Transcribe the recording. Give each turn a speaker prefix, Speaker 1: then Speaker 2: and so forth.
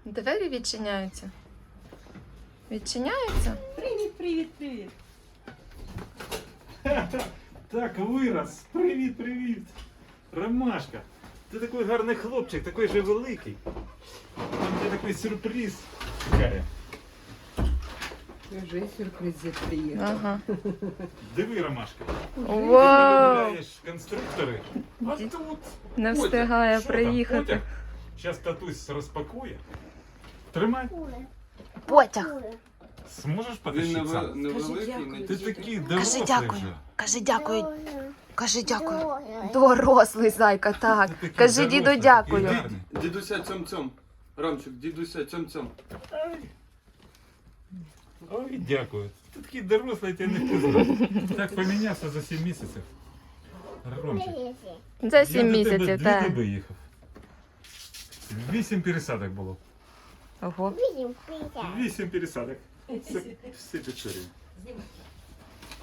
Speaker 1: Двері відчиняються. Відчиняються?
Speaker 2: Привіт, привіт, привіт.
Speaker 3: Так, вирос. Привіт, привіт. Ромашка. Ти такий гарний хлопчик, такий же великий. Там тебе такий сюрприз чекає.
Speaker 2: Вже сюрпризи приїхав.
Speaker 1: Ага.
Speaker 3: Диви, Ромашка. Ти
Speaker 1: Вау!
Speaker 3: полюбляєш конструктори, а тут
Speaker 1: Не
Speaker 3: Котя.
Speaker 1: встигає
Speaker 3: Що там,
Speaker 1: приїхати.
Speaker 3: Котя? Зараз татусь розпакує. Тримай.
Speaker 1: Потяг.
Speaker 3: Зможеш
Speaker 4: Він
Speaker 3: потащити сам?
Speaker 4: невеликий,
Speaker 2: дякую.
Speaker 4: не
Speaker 3: Ти
Speaker 4: тільки.
Speaker 3: такий дорослий
Speaker 1: дякую.
Speaker 3: вже.
Speaker 1: Кажи дякую. Кажи дякую. Дорослий зайка, так.
Speaker 3: Ти такий
Speaker 1: Кажи
Speaker 3: дорослий,
Speaker 1: діду
Speaker 3: такий
Speaker 1: дякую.
Speaker 3: гарний.
Speaker 4: Дідуся цьом-цьом. Рамчик, дідуся цьом-цьом.
Speaker 3: Ой. Ой, дякую. Ти такий дорослий, ти не впізнав. Так помінявся за 7 місяців. Ромчик.
Speaker 1: За 7
Speaker 3: Я до тебе
Speaker 1: місяців,
Speaker 3: 2
Speaker 1: так.
Speaker 3: доби їхав. 8 пересадок було.
Speaker 1: Ого.
Speaker 3: 8 пересадок. Все Печорі.